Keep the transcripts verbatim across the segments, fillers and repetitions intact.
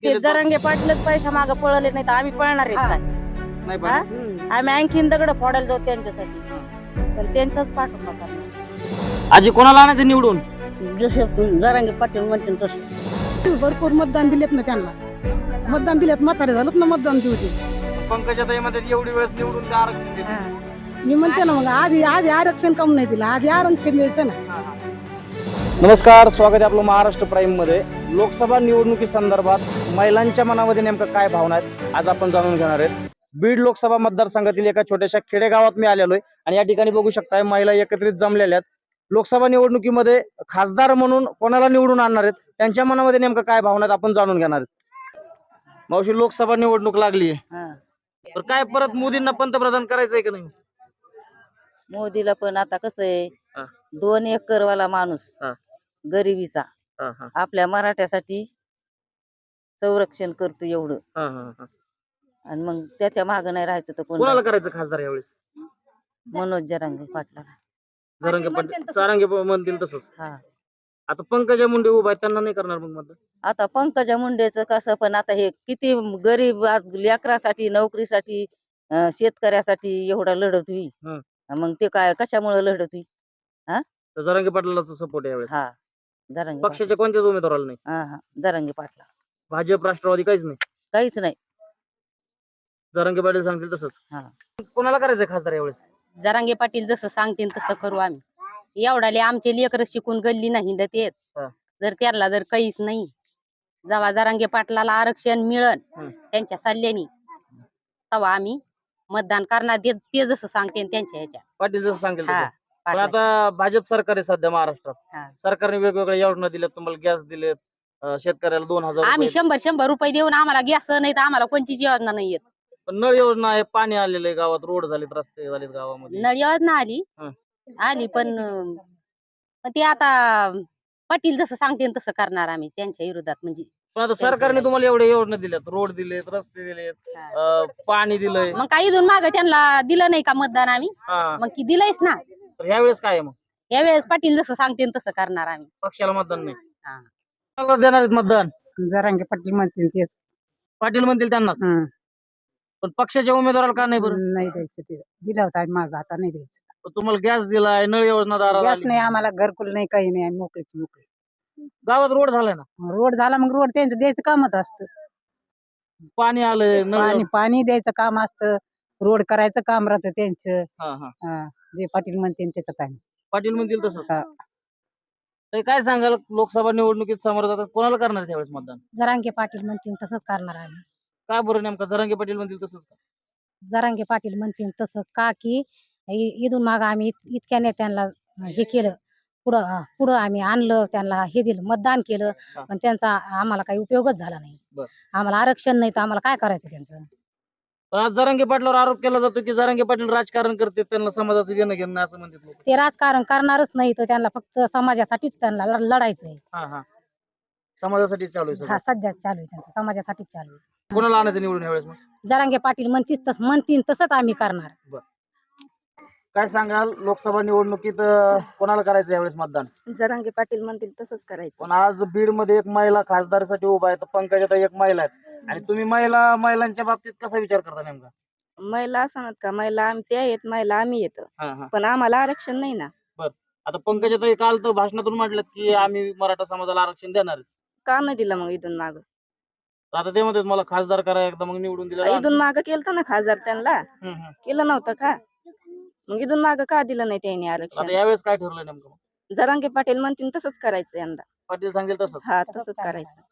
ते जरांगे पाटीलच पैसा मागे पळले नाही तर आम्ही पळणार आहेत काय? नाही हा? पाहिजे. आम्ही आणखीन दगड फोडायला जाऊ त्यांच्यासाठी, पण त्यांचाच पाठिंबा करणार. आजी कोणाला आणायचं निवडून? जसे जरांगे पाटील म्हणतील तसं. भरपूर मतदान दिलेत ना त्यांना, मतदान दिलेत, म्हातारे झालं ना मतदान देऊ ते. पंकजा ताई मध्ये एवढी वेळेस निवडून ते आरक्षण देते. मी म्हणते ना मग आधी आधी आरक्षण कम नाही दिलं, आधी आरक्षण द्यायचं ना. नमस्कार, स्वागत आहे आपलं महाराष्ट्र प्राईम मध्ये. लोकसभा निवडणुकी संदर्भात महिलांच्या मनामध्ये नेमकं काय भावना आहेत आज आपण जाणून घेणार आहेत. बीड लोकसभा मतदारसंघातील एका छोट्याशा खेडेगावात मी आलेलो आहे आणि या ठिकाणी बघू शकताय महिला एकत्रित जमलेल्या आहेत. लोकसभा निवडणुकीमध्ये खासदार म्हणून कोणाला निवडून आणणार आहेत, त्यांच्या मनामध्ये नेमकं काय भावना आहेत आपण जाणून घेणार आहेत. मावशी, लोकसभा निवडणूक लागली आहे, तर काय परत मोदींना पंतप्रधान करायचंय का नाही? मोदीला पण आता कसं आहे, हा. दोन एकर वाला माणूस, हा. गरिबीचा, हा, हा. आपल्या मराठ्यासाठी संरक्षण करतो एवढं, हा, हा, हा. आणि मग त्याच्या माग नाही राहायचं तर कोण कोणाला राहायचं? करायचं खासदार यावेळेस? मनोज जरांगे पाटला. जरांगे पाटील चारांगे म्हणतील तसंच. हा, आता पंकजा मुंडे उभा आहेत, त्यांना नाही करणार मग मतदान? आता पंकजा मुंडेचं कसं, पण आता हे किती गरीब आज लेकरासाठी, नोकरीसाठी, अं, शेतकऱ्यासाठी एवढा लढत होई, हं. मग ते काय कशामुळे लढत होई? तर जरांगे पाटलाला सपोर्ट आहे यावेळेस. हा, जरांगे पक्षाच्या कोणत्याच उमेदवाराला नाही? पाटला. हा हा जरांगे पाटला. भाजप, राष्ट्रवादी काहीच नाही. काहीच नाही. जरांगे पाटील सांगतील तसंच. हा. कोणाला करायचंय खासदार यावेळेस? जरांगे पाटील जसं सांगतील तसं करू आम्ही. एवढाले आमचे लेकर शिकून गल्ली नाही हिंडत येत, हा. जर त्याला जर काहीच नाही, जेव्हा जरांगे पाटलाला आरक्षण मिळन हं. त्यांच्या सल्ल्याने, तेव्हा आम्ही मतदान करणार. ते ते जसं सांगते त्यांच्या ह्याच्या. पाटील जसं सांगेल हा, तसं. पण पाटला. आता भाजप सरकार आहे सध्या महाराष्ट्रात. हा. सरकारने वेगवेगळ्या योजना दिल्यात, तुम्हाला गॅस दिलेत, अं, शेतकऱ्याला दोन हजार आम्ही रुपये. शंभर शंभर रुपये देऊन आम्हाला गॅस नाही तर आम्हाला कोणतीच योजना नाही येत. पण नळ योजना आहे, पाणी आलेलं आहे गावात, रोड झालेत, रस्ते झालेत गावामध्ये. नळ योजना आली हं. आली पण अं, पण ते आता पाटील जसं सांगते तसं करणार आम्ही त्यांच्या विरोधात. म्हणजे पण आता सरकारने तुम्हाला एवढ्या योजना दिल्यात, रोड दिलेत, रस्ते दिलेत, अं, पाणी दिलंय. मग काही इथून माग त्यांना दिलं नाही का मतदान आम्ही? हा. मग की दिलंयच ना. तर यावेळेस काय आहे मग? यावेळेस पाटील जसं सांगते तसं करणार आम्ही. पक्षाला मतदान नाही. हा. कोणाला देणार आहेत मतदान? जरांगे पाटील म्हणतील तेच. पाटील म्हणतील त्यांनाच. हं. पण पक्षाच्या उमेदवाराला का नाही बरं? नाही द्यायचं, ते दिला होता माग, आता नाही द्यायचं. पण तुम्हाला गॅस दिलाय, नळ योजना दाराला गॅस आली. नाही, आम्हाला घरकुल नाही, काही नाही, आम्ही मोकळीच मोकळी. गावात रोड झालाय ना, रोड झाला मग रोड त्यांचं द्यायचं कामच असतं. पाणी आलंय, नळ पाणी योजना- पाणी द्यायचं काम असतं, रोड करायचं काम राहतं त्यांचं. हा, हा. हा, जे पाटील म्हणते त्याच्यात आहे. पाटील म्हणतील तसंच. हा. तर काय सांगाल, लोकसभा निवडणुकीत समोर जातात, कोणाला करणार त्यावेळेस मतदान? जरांगे पाटील म्हणतील तसंच करणार आम्ही. काय बरं, नेमका जरांगे पाटील म्हणतील तसंच का? जरांगे पाटील म्हणतील तसं का की इ- इथून माग आम्ही इत- इतक्या नेत्यांना हे केलं, पुढं अं, पुढं आम्ही आणलं, त्यांना हे दिलं, मतदान केलं, हा. पण त्यांचा आम्हाला काही उपयोगच झाला नाही. बरं. आम्हाला आरक्षण नाही तर आम्हाला काय करायचं त्यांचं? पण आज जरांगे पाटलावर आरोप केला जातो की जरांगे पाटील राजकारण करते, त्यांना समाजाचं घेणं घेणं असं म्हणतात लोक. ते राजकारण करणारच नाही तर त्यांना फक्त समाजासाठीच त्यांना लढ- लढायचं आहे. हा, हा. समाजासाठी चालू आहे हा, सगळं. सध्या चालू आहे त्यांचं, समाजासाठीच चालू आहे. कोणाला आणायचं निवडून यावेळेस मग? जरांगे पाटील म्हणतील तसं म्हणतील तसंच आम्ही करणार. काय सांगाल, लोकसभा निवडणुकीत अं, कोणाला करायचं यावेळेस मतदान? जरांगे पाटील म्हणतील तसंच करायचं. पण आज बीड मध्ये एक महिला खासदारसाठी उभा आहे, तर पंकजाताई एक महिला आहेत, आणि तुम्ही महिला महिलांच्या बाबतीत कसा विचार करता नेमका? महिला असणार का? महिला आम्ही त्या येत, महिला आम्ही येतो, हा, हा. पण आम्हाला आरक्षण नाही ना. आता पंकजाताई काल तर भाषणातून म्हटलं की आम्ही मराठा समाजाला आरक्षण देणार आहे. का नाही दिलं मग इथून माग? तर आता ते म्हणतात मला खासदार करा एकदा, मग निवडून दिलं. इथून माग केलं ना खासदार त्यांना, केलं नव्हतं का? मग इथून माग का दिलं नाही त्यांनी आता आरक्षण? यावेळेस काय ठरलंय नेमकं मग? जरांगे पाटील म्हणतील तसंच करायचं यंदा. पाटील सांगेल तसंच. हा, तसंच करायचं.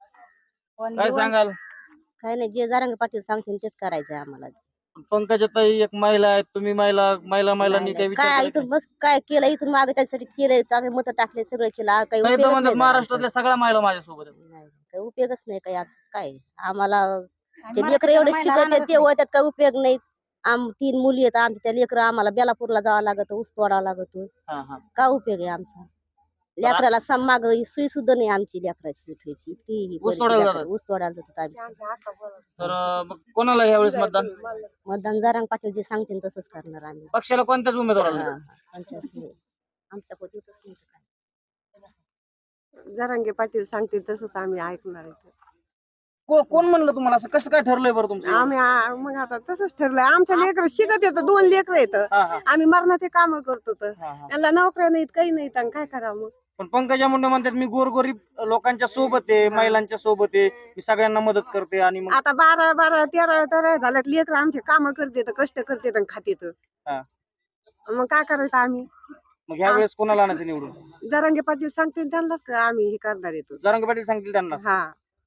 काय सांगाल? काय नाही, जे जरांगे पाटील सांगतील तेच करायचंय आम्हाला. पंकजाताई एक महिला आहेत, तुम्ही महिला महिला महिलांनी काही विचार काय केला इथून बस काय केलं, इथून मागे त्यासाठी केलंय, आम्ही मत टाकले, सगळं केलं, आ, काही नाही? तर उपयोगच म्हणतात नाही महाराष्ट्रातल्या सगळ्या महिला माझ्यासोबत आहेत. नाही, काही उपयोगच नाही. काय आज काय आम्हाला ते लेकर एवढे शिकवते ते होत्यात, काय उपयोग नाही. आम तीन मुली आहेत आमच्या, त्या लेकर आम्हाला बेलापूरला जावं लागत, ऊस तोडावं लागत, हा, हा. काय उपयोग आहे आमचा? लेकराला सम माग सुई सुद्धा नाही आमची, लेकराची सुटवायची ती ऊस तोडायला जातात? ऊस तोडायला जातात आम्ही. तर अं, मग कोणाला यावेळेस मतदान? मतदान जरांगे पाटील जे सांगतील तसंच करणार आम्ही. पक्षाला कोणत्याच उमेदवाराला हा, नाही? हा, आमच्याच नाही. आमच्या पोटीतच नाही तर काय. जरांगे पाटील सांगतील तसंच आम्ही ऐकणार आहे. को- कोण म्हणलं तुम्हाला असं कसं काय ठरलंय बरं तुमचं आम्ही आ- मग आता तसंच ठरलंय आमच्या लेकर शिकत येतं दोन लेकर येतं हा, हा, आम्ही मरणाचे काम करतो तर हा, हा. त्यांना नोकऱ्या नाहीत काही नाहीत आणि काय करावं मग पण पंकजा मुंडे म्हणतात मी गोरगरीब लोकांच्या सोबत आहे महिलांच्या सोबत आहे मी सगळ्यांना मदत करते आणि मग आता बारा बारा तेरा तेरा झाल्यात लेकर आमचे काम करते कष्ट करते आणि खाते हा. मग काय करायचं आम्ही मग ह्या वेळेस कोणाला आणायचं निवडून जरांगे पाटील सांगते त्यांनाच का आम्ही हे करणार येतो जरांगे पाटील सांगतील त्यांना हा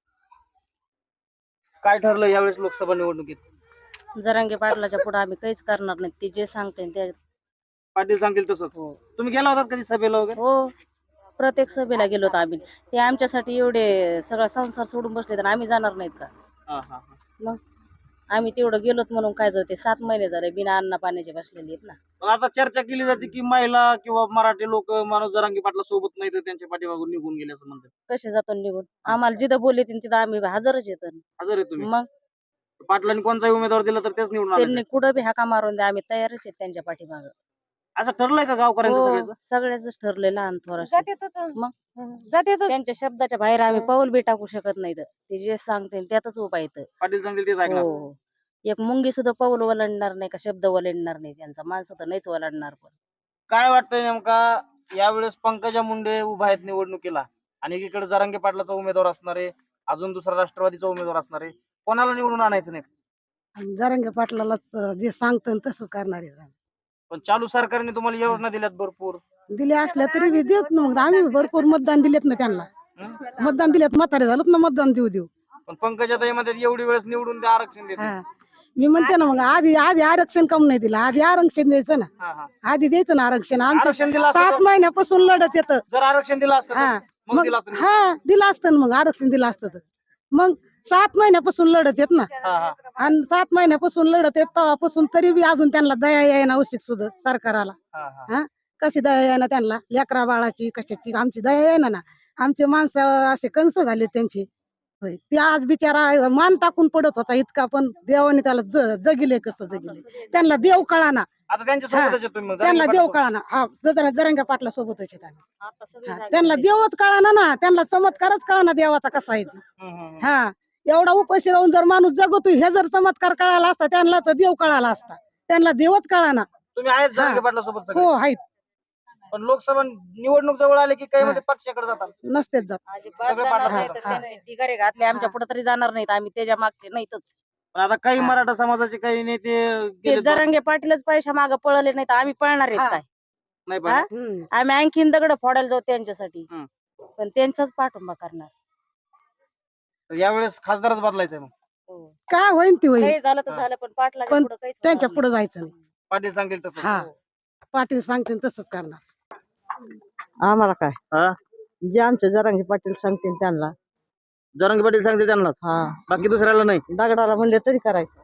काय ठरलं यावेळेस लोकसभा निवडणुकीत जरांगे पाटलाच्या पुढे आम्ही काहीच करणार नाही, ते जे सांगते ते. पाटील सांगतील तसंच हो तुम्ही गेला होतात कधी सभेला वगैरे हो, प्रत्येक सभेला गेलो होतो आम्ही. ते आमच्यासाठी एवढे सगळा संसार सोडून बसले तर आम्ही जाणार नाहीत का? हा, हा, हा. मग आम्ही तेवढं गेलोत म्हणून काय जाते, सात महिने झाले बिना अन्न पाण्याचे बसलेले आहेत ना. पण आता चर्चा केली जाते की महिला किंवा मराठी लोक माणूस जरांगे पाटला सोबत नाही तर त्यांच्या पाठीमागून निघून गेले असं म्हणतात. कसे जातो निघून? आम्हाला जिथं बोलले तिथं आम्ही हजरच येतो. हजर आहे तुम्ही मग पाटलांनी कोणताही उमेदवार दिला तर तेच निवडून आणायचं. त्यांनी कुठं बी हाका मारून द्या, आम्ही तयारच आहेत त्यांच्या पाठीमागं. असं ठरलंय का गावकऱ्यांचं हो, सगळ्याचं? सगळ्याच ठरलेलं लहान थोराशी. मग मग जाते त्यांच्या शब्दाच्या बाहेर आम्ही पाऊल बी टाकू शकत नाही. ते जे सांगते त्यातच उभा येतं. पाटील सांगतील तेच ऐकणार. हो, एक मुंगी सुद्धा पाऊल ओलांडणार नाही का शब्द ओलांडणार नाही त्यांचा. माणसं तर नाहीच ओलांडणार. पण काय वाटतंय नेमका यावेळेस पंकजा मुंडे उभा आहेत निवडणुकीला आणि एकीकडे जरांगे पाटलाचा उमेदवार असणार आहे, अजून दुसरा राष्ट्रवादीचा उमेदवार असणार आहे, कोणाला निवडून आणायचं नाही? जरांगे पाटलाला जे सांगतं तसंच करणार आहे पण चालू सरकारने तुम्हाला योजना दिल्यात भरपूर. दिले असल्या तरी बी देत ना मग आम्ही भरपूर मतदान दिलेत ना त्यांना हं? मतदान दिलेत म्हातारे झालं ना मतदान देऊ देऊ पण पंकजा ताई मध्ये एवढी वेळेस निवडून ते आरक्षण देते. हा मी म्हणते ना मग आधी आधी आरक्षण कम नाही दिलं आधी आरक्षण द्यायचं ना हा, हा. आधी द्यायचं ना आरक्षण आरक्षण आमचं दिलं असतं सात तर- महिन्यापासून लढत येतं जर आरक्षण दिलं असतं हा तर मग मग दिलं असतं. हा दिलं असतं ना मग आरक्षण दिलं असतं तर मग सात महिन्यापासून लढत येत ना हा, हा. आणि सात महिन्यापासून लढत येत तेव्हापासून तरी बी अजून त्यांना दया येईना औषध सुद्धा सरकाराला हा, हा. हा कशी दया येईना त्यांना लेकरा बाळाची कशाची आमची दया येईना ना आमचे माणसं असे कंस झाले त्यांची होय ते आज बिचारा मान टाकून पडत होता इतका पण देवाने त्याला ज- जगिले कसं जगिले त्यांना देव कळाना आता त्यांच्या सोबतच आहे तुम्ही मग. त्यांना जरांगे देव पाटील कळाना हा जरा जरंगा पाटला सोबतच आहेत आम्ही. आता सगळे हा, जागे त्यांना झाले. देवच कळाना ना त्यांना चमत्कारच कळाना देवाचा कसा आहे ते. हं, हं, हं. हा एवढा उपाशी राहून जर माणूस जगतो हे जर चमत्कार कळाला असता त्यांना तर देव कळाला असता त्यांना देवच कळाना तुम्ही आहेत जरांगे पाटला सोबत सगळे. हो आहेत पण लोकसभा निवडणूक जवळ आले की काही हा. मध्ये पक्षाकडे जातात. नसतेच जात अजिबात सगळे जाणार पाठला नाही तर सोडतात. त्यांनी ढिगारे घातले आमच्या पुढे तरी जाणार नाहीत. आम्ही त्याच्या मागचे नाहीतच. पण आता काही हा. मराठा समाजाचे काही नेते ते गेलेत बा- जरांगे पाटीलच पैशा मागे पळले नाही तर आम्ही पळणार आहेत हा. काय? नाही हा? पण हम्म. आम्ही आणखीन दगड फोडायला जाऊ त्यांच्यासाठी. हं. पण त्यांचाच पाठिंबा करणार. यावेळेस खासदारच बदलायचंय मग. हो. काय होईन ती होईल काही झालं तर हा. झालं पण पाटलाच्या पण पुढे काहीच त्यांच्या होणार पुढे जायचं नाही पाटील सांगतील तसं. हा पाटील सांगते तसंच करणार आम्हाला काय हा? जे आमचे जरांगे पाटील सांगतील त्यांना जरांगे पाटील सांगतील त्यांनाच हा बाकी दुसऱ्याला नाही. दगडाला म्हणले तरी करायचं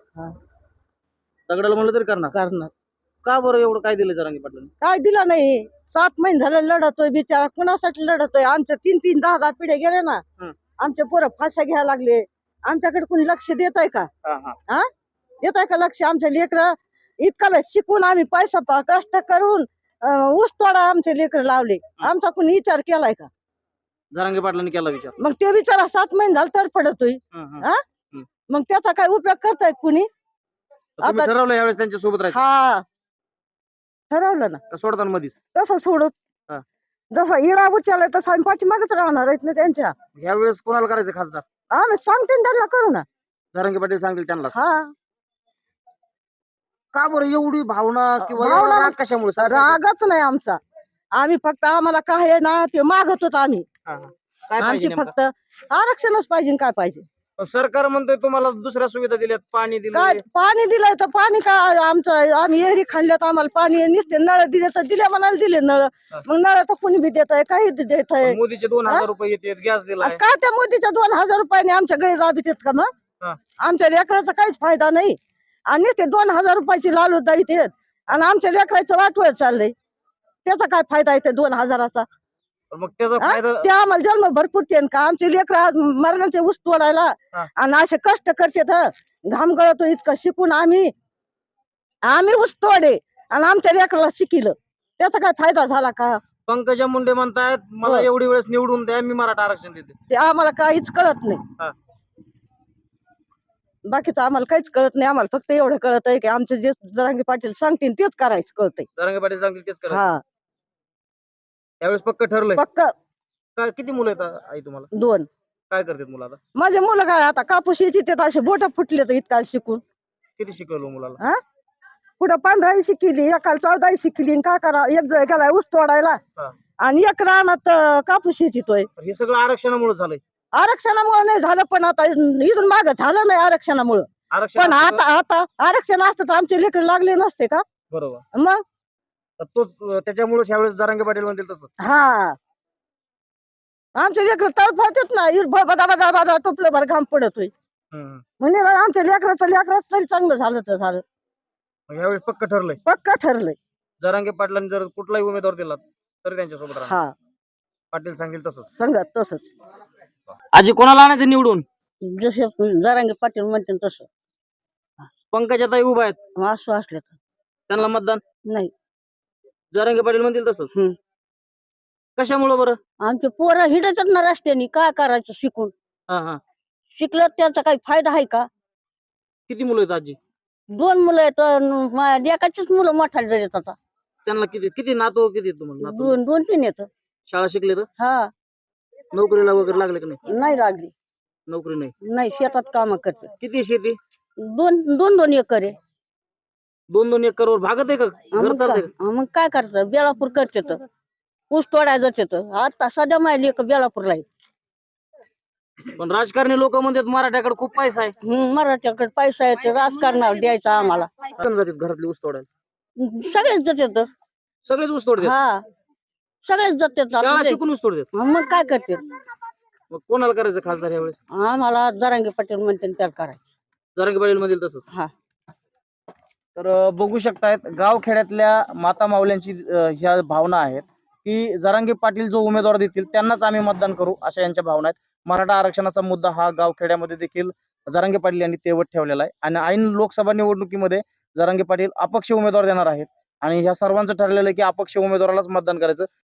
दगडाला म्हणलं तरी करणार. करणार का बरं एवढं काय दिलं जरांगे पाटील? काय दिलं नाही सात महिने झाले लढतोय बिचारा कुणासाठी लढतोय आमच्या तीन तीन दहा दहा पिढे गेले ना हं. आमचे पोरं फाश्या घ्यायला लागले आमच्याकडे कोणी लक्ष देत आहे का देत आहे का लक्ष आमचे लेकर इतका वेळ शिकून आम्ही पैसा प- कष्ट करून अं, ऊस तोडा आमचे लेकर लावले आमचा कोणी विचार केलाय का जरांगे पाटलांनी केला विचार. मग ते बिचारा सात महिने झाले तडफडतोय हं, हं. हा? हं. मग त्याचा काय उपयोग करतायत कुणी तुम्ही आता- ठरवलं यावेळेस त्यांच्या सोबत राहायचं हा ठरवलं ना का सोडताना मधीच? तसं सोडत हा. जसा इडा उचललाय तसं आम्ही पाठीमागच राहणार आहेत ना त्यांच्या यावेळेस कोणाला करायचं खासदार? आम्ही सांगते ना त्यांना करू ना जरांगे पाटील सांगतील त्यांना. हा का बरं एवढी भावना किंवा भावना- एवढा राग कशामुळे सरकारचा? रागच नाही आमचा आम्ही फक्त आम्हाला काय आहे ना ते मागत होतो आम्ही हा, हा. काय पाहिजे आमची नेमकं? फक्त आरक्षणच पाहिजे काय पाहिजे पण सरकार म्हणतोय तुम्हाला दुसऱ्या सुविधा दिल्यात, पाणी काय दिलं. पाणी दिलंय तर पाणी काय आमचं आम्ही एरी खाल्ल्यात आम्हाला पाणी नुसते नळ दिले तर दिले म्हणाले दिले नळ हा. मग नळ तर कोणी बी देत आहे काही देत आहे मोदीचे दोन हा? हजार रुपये येतात, गॅस दिलाय. काय त्या मोदीच्या दोन हजार रुपयाने आमच्या गळे जाबीत आहेत का मग हा. आमच्या लेकराचा काहीच फायदा नाही आणि ते दोन हजार रुपयाची लालू दाईत आहेत आणि आमच्या लेकराचं वाटवत चाललंय त्याचा काय फायदा आहे ते दोन हजाराचा पण मग त्याचा हा? फायदा ते आम्हाला जन्म भरपूर ते का आमचे लेकर मरणाचे ऊस तोडायला हा. आणि असे कष्ट करतात घाम गळतो इतकं शिकून आम्ही आम्ही ऊस तोडे आणि आमच्या लेकराला शिकिलं त्याचा काय फायदा झाला का पंकजा मुंडे म्हणतायत मला हो. एवढी वेळेस निवडून द्या, मी मराठा आरक्षण देते. ते आम्हाला काहीच कळत हा. नाही बाकीचं आम्हाला काहीच कळत नाही. आम्हाला फक्त एवढं कळत आहे की आमचे जे जरांगे पाटील सांगतील तेच करायचं कळतंय. जरांगे पाटील सांगतील तेच करा. हा यावेळेस पक्क ठरलंय. पक्क काय किती मुलं आहेत आ- आई तुम्हाला? दोन. काय करतात मुलं आता? माझे मुलं काय आता कापूस शेतीत आहेत, असे बोट फुटले तर इतका शिकून. किती शिकवलं मुलाला? कुठं पंधराही शिकली, एकाला चौदाही शिकली, आणि का करा एक जण गेलाय ऊस तोडायला हा. आणि एक रानात अं, कापूस शेतीतोय. तर हे सगळं आरक्षणामुळे झालंय. आरक्षणामुळे नाही झालं, पण आता इथून माग झालं नाही आरक्षणामुळे. आरक्षण पण असतं आता आता आरक्षण असतं तर आमचे लेकर लागले नसते का? का? बरोबर. मग तर तो त्याच्यामुळे ह्यावेळेस जरांगे पाटील म्हणतील तसं. हा आमचे लेकर तळफळतात ना, इर ब- बदा बदा बदा टोपलं भर घाम पडतोय. हम्म. म्हणजे ना आमच्या लेकराचं लेकराच तरी चांगलं झालं तर झालं. मग ह्यावेळेस पक्क ठरलंय. पक्का ठरलंय. जरांगे पाटलांनी जर कुठलाही उमेदवार दिला तरी त्यांच्यासोबत राहणार. हा पाटील सांगेल तसंच. सांगत तसंच. आजी कोणाला आणायचं निवडून? जसे जरांगे पाटील म्हणते तसं पंकजाताई उभा आहेत, असं असलं तर त्यांना मतदान. नाही. जरांगे पाटील म्हणतील तसंच. हम्म. कशामुळे बरं? आमचे पोरं हिडतात ना रस्त्याने, काय करायचं शिकून? हा हा. शिकलं त्याचा काही फायदा आहे का? किती मुलं आहेत आजी? दोन मुलं आहेत अन माझ्या एकाचीच मुलं मोठाले झालेत आता. त्यांना किती किती नातू किती आहेत तुम्हाला? नातू? दोन दोन तीन येत. शाळा शिकले तर हा नोकरीला वगैरे लागले की नाही? नाही लागली. नोकरी नाही. नाही, शेतात काम करते. किती शेती? दोन दोन दोन एकर आहे. दोन दोन एकर वर भागत आहे का? हा, घर मग चालतंय काय- हा, मग काय करतात? बेलापूर करते तर ऊस तोडायचं तिथं. आता सध्या माहिती एक बेलापूरला आहे. का? पण राजकारणी लोक म्हणतात मराठ्याकडे खूप पैसा आहे. हम्म, मराठ्याकडे पैसा आहे तर राजकारणावर द्यायचा आम्हाला. कोण जातात घरातली ऊस तोडायला? सगळेच जातात. सगळेच ऊस तोडतात. हा सगळेच जातात. शाळा आपले- शिकून ऊस तोडतात. हा, मग काय करते? मग कोणाला करायचं खासदार यावेळेस? आम्हाला जरांगे पाटील म्हणते त्याला करायचं. जरांगे पाटील मधील तसंच. हा. तर अं, बघू शकतायत गावखेड्यातल्या माता माऊल्यांची अं, ह्या भावना आहेत की जरांगे पाटील जो उमेदवार देतील त्यांनाच आम्ही मतदान करू, अशा यांच्या भावना आहेत. मराठा आरक्षणाचा मुद्दा हा गावखेड्यामध्ये देखील जरांगे पाटील यांनी तेवत ठेवलेला आहे आणि ऐन लोकसभा निवडणुकीमध्ये जरांगे पाटील अपक्ष उमेदवार देणार आहेत आणि ह्या सर्वांचं ठरलेलं आहे की अपक्ष उमेदवारालाच मतदान करायचं.